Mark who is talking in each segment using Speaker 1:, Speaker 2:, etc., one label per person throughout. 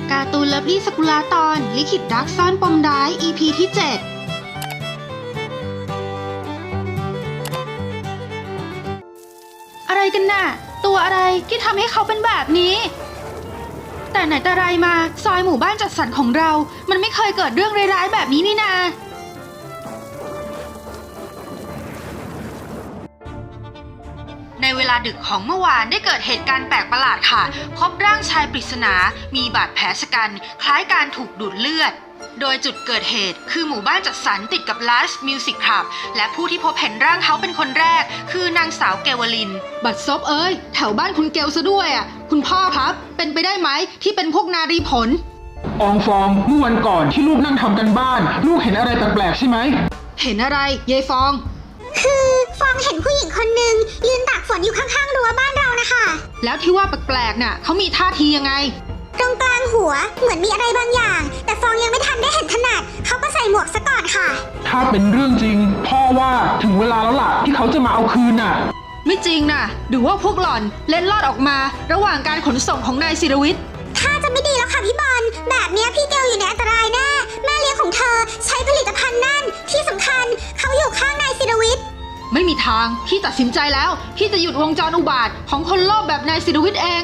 Speaker 1: การ์ตูนเลิฟลี่สกุลาตอนลิขิตรักซ่อนปมร้าย EP ที่ 7อะไรกันน่ะตัวอะไรที่ทำให้เขาเป็นแบบนี้แต่ไหนแต่ไรมาซอยหมู่บ้านจัดสรรของเรามันไม่เคยเกิดเรื่องร้ายๆแบบนี้นี่นาในเวลาดึกของเมื่อวานได้เกิดเหตุการณ์แปลกประหลาดค่ะพบร่างชายปริศนามีบาดแผลชะกันคล้ายการถูกดูดเลือดโดยจุดเกิดเหตุคือหมู่บ้านจัดสรรติดกับ Last Music Club และผู้ที่พบเห็นร่างเขาเป็นคนแรกคือนางสาวเกวลินบัดซบเอ้ยแถวบ้านคุณเกลซะด้วยอ่ะคุณพ่อครับเป็นไปได้ไหมที่เป็นพวกนารีผล
Speaker 2: อองฟองเมื่อวันก่อนที่ลูกนั่งทำกันบ้านลูกเห็นอะไรแปลกๆใช่ไหม
Speaker 1: เห็นอะไรยายฟอง
Speaker 3: คือฟองเห็นผู้หญิงคนหนึ่งยืนตากฝนอยู่ข้างๆรั้วบ้านเรานะคะ
Speaker 1: แล้วที่ว่าแปลกๆน่ะเขามีท่าทียังไง
Speaker 3: ตรงกลางหัวเหมือนมีอะไรบางอย่างแต่ฟองยังไม่ทันได้เห็นถนัดเขาก็ใส่หมวกซะก่อนค่ะ
Speaker 2: ถ้าเป็นเรื่องจริงพ่อว่าถึงเวลาแล้วล่ะที่เขาจะมาเอาคืนน่ะ
Speaker 1: ไม่จริงน่ะหรือว่าพวกหล่อนเล็ดลอดออกมาระหว่างการขนส่งของนายศิรวิทย์
Speaker 3: ถ้าจะไม่ดีแล้วค่ะพี่บอลแบบนี้พี่เกลอยู่ในอันตรายแน่แม่เลี้ยงของเธอใช้ผลิตภัณฑ์นั่นที่สำคัญเขาอยู่ข้างนายศิรวิทย์
Speaker 1: ไม่มีทางพี่ตัดสินใจแล้วพี่จะหยุดวงจรอุบาทของคนโลภแบบนายศิรวิทย์เอง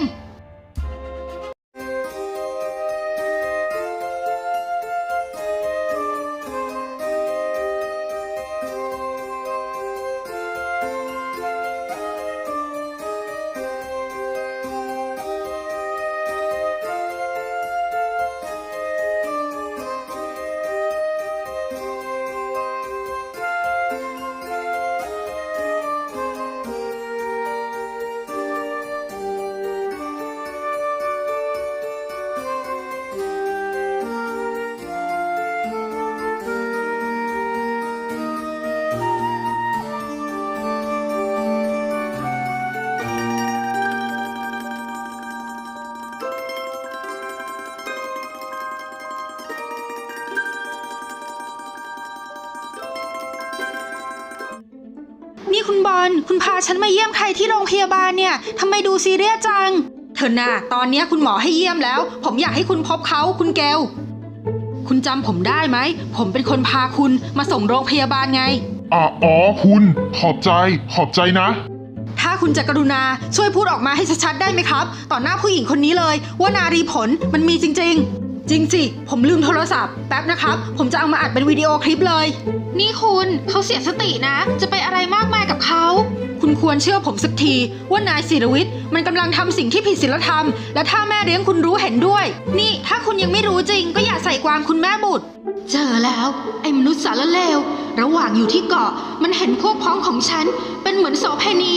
Speaker 1: นี่คุณบอลคุณพาฉันมาเยี่ยมใครที่โรงพยาบาลเนี่ยทำไมดูซีเรียสจังเธอน่ะตอนนี้คุณหมอให้เยี่ยมแล้วผมอยากให้คุณพบเขาคุณเกลคุณจำผมได้ไหมผมเป็นคนพาคุณมาส่งโรงพยาบาลไง
Speaker 4: อ๋อคุณขอบใจนะ
Speaker 1: ถ้าคุณจะกรุณาช่วยพูดออกมาให้ชัดๆได้ไหมครับต่อหน้าผู้หญิงคนนี้เลยว่านารีผลมันมีจริงๆจริงสิผมลืมโทรศัพท์แป๊บนะครับผมจะเอามาอัดเป็นวิดีโอคลิปเลยนี่คุณเขาเสียสตินะจะไปอะไรมากมายกับเขาคุณควรเชื่อผมสักทีว่านายศิรวิทย์มันกำลังทำสิ่งที่ผิดศีลธรรมและถ้าแม่เลี้ยงคุณรู้เห็นด้วยนี่ถ้าคุณยังไม่รู้จริงก็อย่าใส่ความคุณแม่บุตรเจอแล้วไอ้มนุษย์สารเลวระหว่างอยู่ที่เกาะมันเห็นพวกพ้องของฉันเป็นเหมือนโสเภณี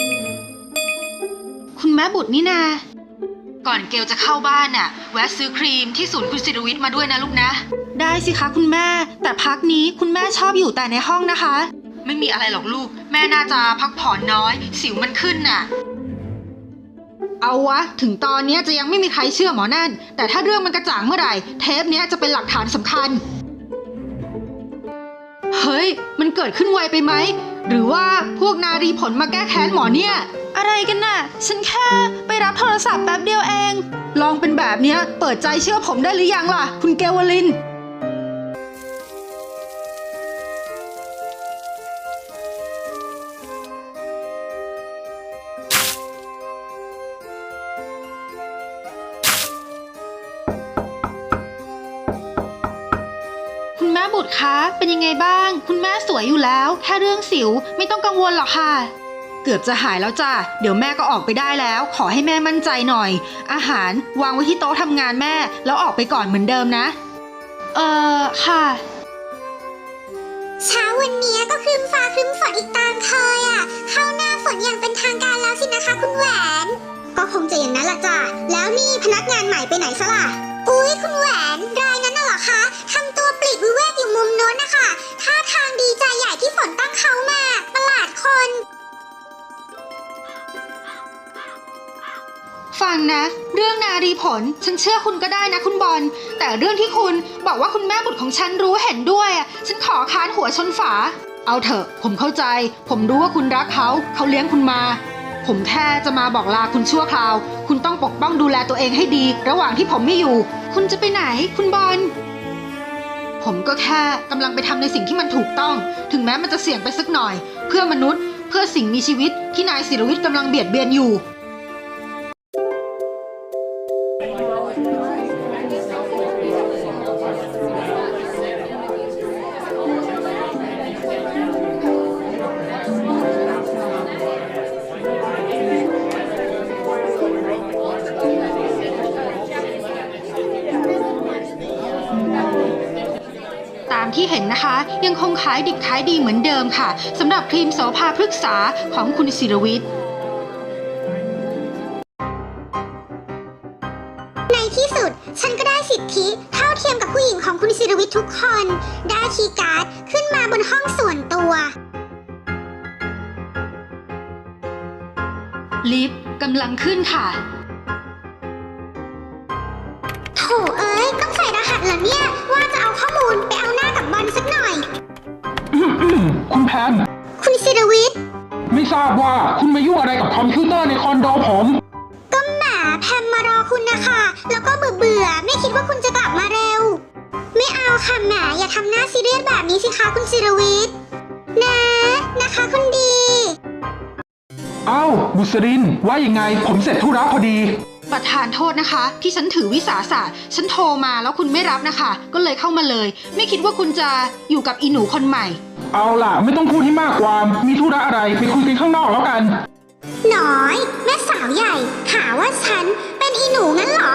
Speaker 1: คุณแม่บุตรนี่นาก่อนเกลจะเข้าบ้านน่ะแวะซื้อครีมที่ศูนย์คุณศิรวิทย์มาด้วยนะลูกนะได้สิคะคุณแม่แต่พักนี้คุณแม่ชอบอยู่แต่ในห้องนะคะไม่มีอะไรหรอกลูกแม่น่าจะพักผ่อนน้อยสิวมันขึ้นน่ะเอาวะถึงตอนนี้จะยังไม่มีใครเชื่อหมอนั่นแต่ถ้าเรื่องมันกระจ่างเมื่อไหร่เทปนี้จะเป็นหลักฐานสำคัญเฮ้ยมันเกิดขึ้นไวไปไหมหรือว่าพวกนารีผลมาแก้แค้นหมอเนี่ยอะไรกันน่ะฉันแค่ไปรับโทรศัพท์แป๊บเดียวเองลองเป็นแบบนี้เปิดใจเชื่อผมได้หรือยังล่ะคุณเกวลินคุณแม่บุตรคะเป็นยังไงบ้างคุณแม่สวยอยู่แล้วแค่เรื่องสิวไม่ต้องกังวลหรอกค่ะเกือบจะหายแล้วจ้ะเดี๋ยวแม่ก็ออกไปได้แล้วขอให้แม่มั่นใจหน่อยอาหารวางไว้ที่โต๊ะทำงานแม่แล้วออกไปก่อนเหมือนเดิมนะค่ะ
Speaker 3: เช้าวันนี้ก็ครึ้มฟ้าครึ้มฝนอีกตามเคยอ่ะเข้าหน้าฝนอย่างเป็นทางการแล้วสินะคะคุณแหวนก็คงจะอย่างนั้นละจ้ะแล้วนี่พนักงานใหม่ไปไหนซะล่ะอุ๊ยคุณแหวนรายนั้นน่ะเหรอคะทำตัวปลีกวิเวกอยู่มุมโน้นนะคะท่าทางดีใจใหญ่ที่ฝนตั้งเขามาประหลาดคน
Speaker 1: ฟังนะเรื่องนารีผลฉันเชื่อคุณก็ได้นะคุณบอลแต่เรื่องที่คุณบอกว่าคุณแม่บุตรของฉันรู้เห็นด้วยฉันขอค้านหัวชนฝาเอาเถอะผมเข้าใจผมรู้ว่าคุณรักเขาเลี้ยงคุณมา ผมแค่จะมาบอกลาคุณชั่วคราวคุณต้องปกป้องดูแลตัวเองให้ดีระหว่างที่ผมไม่อยู่คุณจะไปไหนคุณบอลผมก็แค่กำลังไปทำในสิ่งที่มันถูกต้องถึงแม้มันจะเสี่ยงไปสักหน่อยเพื่อมนุษย์เพื่อสิ่งมีชีวิตที่นายศิรวิทย์กำลังเบียดเบียนอยู่ตามที่เห็นนะคะยังคงขายดิบขายดีเหมือนเดิมค่ะสำหรับครีมโสภาพฤกษาของคุณศิรวิทย์
Speaker 3: ในที่สุดฉันก็ได้สิทธิเท่าเทียมกับผู้หญิงของคุณศิรวิทย์ทุกคน ได้คีย์การ์ดขึ้นมาบนห้องส่วนตัว
Speaker 1: ลิฟต์กำลังขึ้นค่ะ
Speaker 3: โถเอ้ยต้องใส่รหัสเหรอเนี่ยว่าจะเอาข้อมูลไปเอาหน้ากับบอลสักหน่อย
Speaker 2: คุณแพม
Speaker 3: คุณศิรวิทย์
Speaker 2: ไม่ทราบว่าคุณมายุ่งอะไรกับคอมพิวเตอร์ในคอนโดผม
Speaker 3: ก็หมาแพมมารอคุณนะคะแล้วก็เบื่อไม่คิดว่าคุณจะกลับมาเร็ว ไม่เอาค่ะแหมอย่าทำหน้าซีเรียสแบบนี้สิคะคุณศิรวิทย์นะคะคุณดี
Speaker 2: เอ้าบุษรินว่ายังไงผมเสร็จธุระพอดี
Speaker 1: ประธานโทษนะคะที่ฉันถือวิสาสะฉันโทรมาแล้วคุณไม่รับนะคะก็เลยเข้ามาเลยไม่คิดว่าคุณจะอยู่กับอีหนูคนใหม่
Speaker 2: เอาล่ะไม่ต้องพูดให้มากความมีธุระอะไรไปคุยกันข้างนอกแล้วกัน
Speaker 3: น้อยแม่สาวใหญ่หาว่าฉันเป็นอีหนูงั้นเหรอ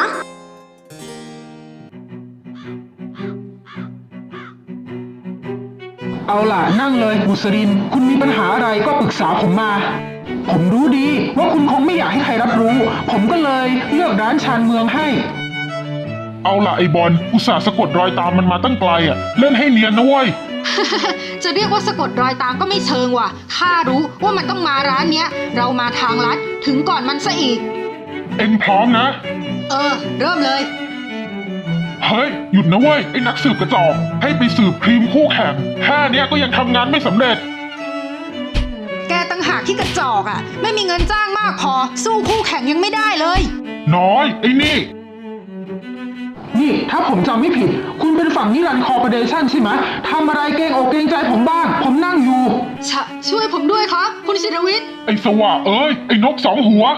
Speaker 2: เอาล่ะนั่งเลยบุษรินคุณมีปัญหาอะไรก็ปรึกษาผมมาผมรู้ดีว่าคุณคงไม่อยากให้ใครรับรู้ผมก็เลยเลือกร้านชานเมืองให้
Speaker 4: เอาล่ะไอ้บอลอุตส่าห์สะกดรอยตามมันมาตั้งไกลอ่ะเล่นให้เนียนนะเว้ย
Speaker 1: จะเรียกว่าสะกดรอยตามก็ไม่เชิงว่ะข้ารู้ว่ามันต้องมาร้านเนี้ยเรามาทางลัดถึงก่อนมันซะอีก
Speaker 4: เอ็งพร้อมนะ
Speaker 1: เริ่มเลย
Speaker 4: เฮ้ยหยุดนะเว้ยไอ้นักสืบกระจอกให้ไปสืบครีมคู่แข่งแค่เนี้ยก็ยังทำงานไม่สำเร็จ
Speaker 1: แกตั้งหากที่กระจอกอ่ะไม่มีเงินจ้างมากพอสู้คู่แข่งยังไม่ได้เลย
Speaker 4: น้อยไอ้นี่
Speaker 2: นี่ถ้าผมจำไม่ผิดคุณเป็นฝั่งนิรันดร์คอร์ปอเรชั่นใช่ไหมทำอะไรเกรงอกเกรงใจผมบ้างผมนั่งอยู่
Speaker 1: ช่วยผมด้วยครับคุณศิรวิทย์
Speaker 4: ไอ้สว่าเอ้ยไอ้นกสองหัว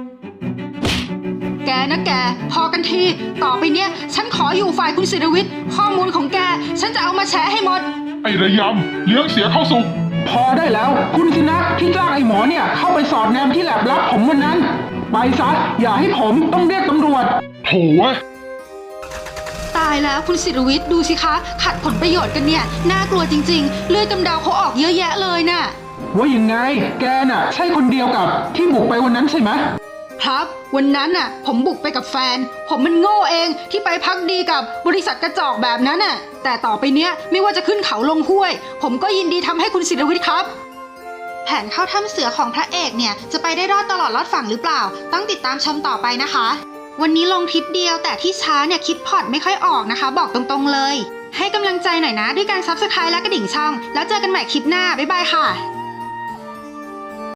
Speaker 1: แกนะแกพอกันทีต่อไปเนี้ยฉันขออยู่ฝ่ายคุณศิรวิทย์ข้อมูลของแกฉันจะเอามาแชร์ให้หมด
Speaker 4: ไอ้ระยำเลี้ยงเสียเข้าสุก
Speaker 2: พอได้แล้วคุณสินะที่จ้างไอ้หมอเนี่ยเข้าไปสอดแนมที่แลบลับผมวันนั้น ไปซะอย่าให้ผมต้องเรียกตำรวจ
Speaker 4: โถเว้ย
Speaker 1: ตายแล้วคุณศิรวิทย์ดูสิคะขัดผลประโยชน์กันเนี่ยน่ากลัวจริงๆเลือดกำเดาเขาออกเยอะแยะเลยน่ะ
Speaker 2: ว่ายังไงแกน่ะใช่คนเดียวกับที่บุกไปวันนั้นใช่ไหม
Speaker 1: ครับวันนั้นน่ะผมบุกไปกับแฟนผมมันโง่เองที่ไปพักดีกับบริษัทกระจอกแบบนั้นน่ะแต่ต่อไปเนี้ยไม่ว่าจะขึ้นเขาลงห้วยผมก็ยินดีทำให้คุณศิรวิทย์ครับแผนเข้าถ้ำเสือของพระเอกเนี่ยจะไปได้รอดตลอดรอดฝั่งหรือเปล่าต้องติดตามชมต่อไปนะคะวันนี้ลงคลิปเดียวแต่ที่ช้าเนี่ยคิดพอร์ตไม่ค่อยออกนะคะบอกตรงๆเลยให้กำลังใจหน่อยนะด้วยการ Subscribe และกระดิ่งช่องแล้วเจอกันใหม่คลิปหน้าบ๊ายบายค่ะ